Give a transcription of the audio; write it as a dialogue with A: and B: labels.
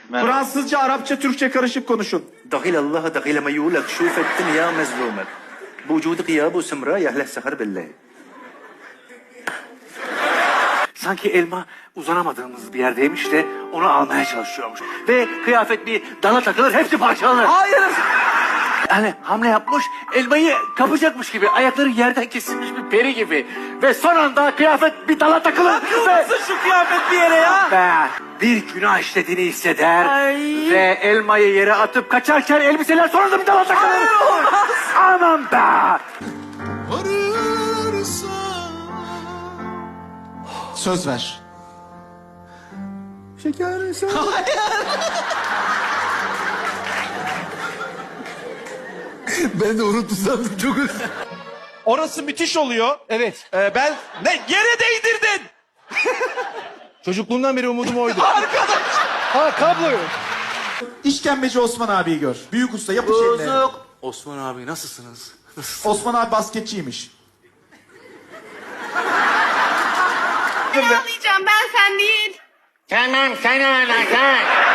A: Merhaba.
B: Fransızca, Arapça, Türkçe karışık konuşun.
A: دخيل الله دخيل ما يقولك شوف الدنيا مظلومك بوجود غياب وسمراء يحلى السهر بالله.
C: Sanki elma uzanamadığımız bir yerdeymiş de onu almaya çalışıyormuş. Ve kıyafet bir dala takılır, hepsi parçalanır.
B: Hayır.
C: Yani hamle yapmış, elmayı kapacakmış gibi, ayakları yerden kesilmiş bir peri gibi. Ve son anda kıyafet bir dala takılır.
B: Nasıl şu kıyafet bir yere ya?
C: Ve bir günah işlediğini hisseder.
B: Ay.
C: Ve elmayı yere atıp kaçarken elbiseler sonra da bir dala takılır.
B: Hayır, olmaz.
C: Aman be!
B: Söz ver. Şeker sen.
D: Ben de unuttum sandım çok özür.
B: Orası müthiş oluyor.
D: Evet.
B: Ben ne yere değdirdin.
D: Çocukluğumdan beri umudum oydu.
B: Arkadaş.
D: Ha kabloyu.
B: İşkembeci Osman abiyi gör. Büyük usta yapış eline.
C: Osman abi nasılsınız?
B: Osman abi basketçiymiş.
E: Ben ağlayacağım, ben sen değil.
C: Tamam sen ağla sen.